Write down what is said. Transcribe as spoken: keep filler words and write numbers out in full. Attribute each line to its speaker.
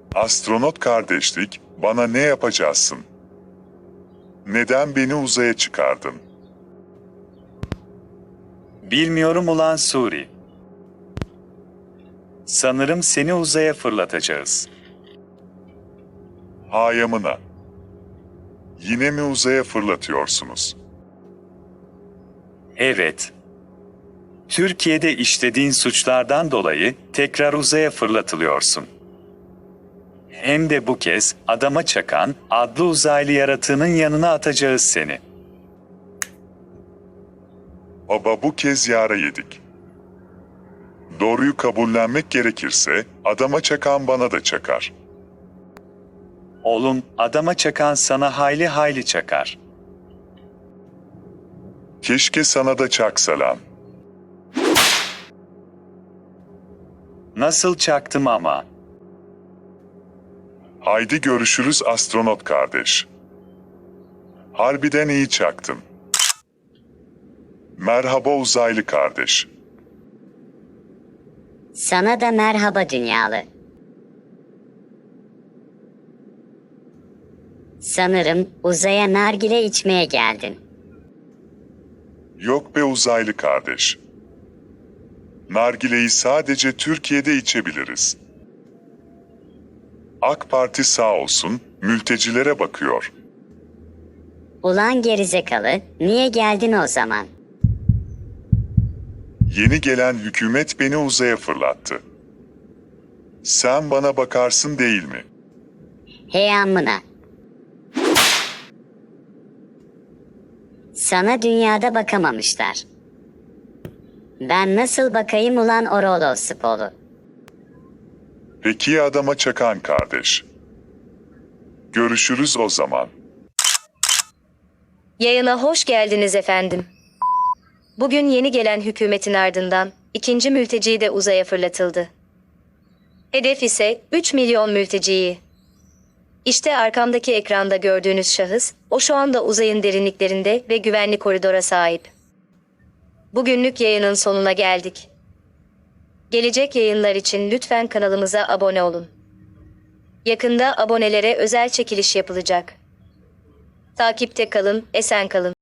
Speaker 1: Astronot kardeşlik, bana ne yapacaksın? Neden beni uzaya çıkardın?
Speaker 2: Bilmiyorum ulan Suri. Sanırım seni uzaya fırlatacağız.
Speaker 1: Hayamına. Yine mi uzaya fırlatıyorsunuz?
Speaker 2: Evet. Türkiye'de işlediğin suçlardan dolayı tekrar uzaya fırlatılıyorsun. Hem de bu kez Adama Çakan adlı uzaylı yaratığının yanına atacağız seni.
Speaker 1: Baba bu kez yara yedik. Doğruyu kabullenmek gerekirse adama çakan bana da çakar.
Speaker 2: Oğlum, Adama Çakan sana hayli hayli çakar.
Speaker 1: Keşke sana da çaksa lan.
Speaker 2: Nasıl çaktım ama.
Speaker 1: Haydi görüşürüz astronot kardeş. Harbiden iyi çaktın. Merhaba uzaylı kardeş.
Speaker 3: Sana da merhaba dünyalı. Sanırım uzaya nargile içmeye geldin.
Speaker 1: Yok be uzaylı kardeş. Nargileyi sadece Türkiye'de içebiliriz. AK Parti sağ olsun, mültecilere bakıyor.
Speaker 3: Ulan gerizekalı, niye geldin o zaman?
Speaker 1: Yeni gelen hükümet beni uzaya fırlattı. Sen bana bakarsın değil mi?
Speaker 3: Hey amına. Sana dünyada bakamamışlar. Ben nasıl bakayım ulan Orolo Spolu?
Speaker 1: Peki ya adama çakan kardeş. Görüşürüz o zaman.
Speaker 4: Yayına hoş geldiniz efendim. Bugün yeni gelen hükümetin ardından ikinci mülteci de uzaya fırlatıldı. Hedef ise üç milyon mülteciyi. İşte arkamdaki ekranda gördüğünüz şahıs, o şu anda uzayın derinliklerinde ve güvenli koridora sahip. Bugünlük yayının sonuna geldik. Gelecek yayınlar için lütfen kanalımıza abone olun. Yakında abonelere özel çekiliş yapılacak. Takipte kalın, esen kalın.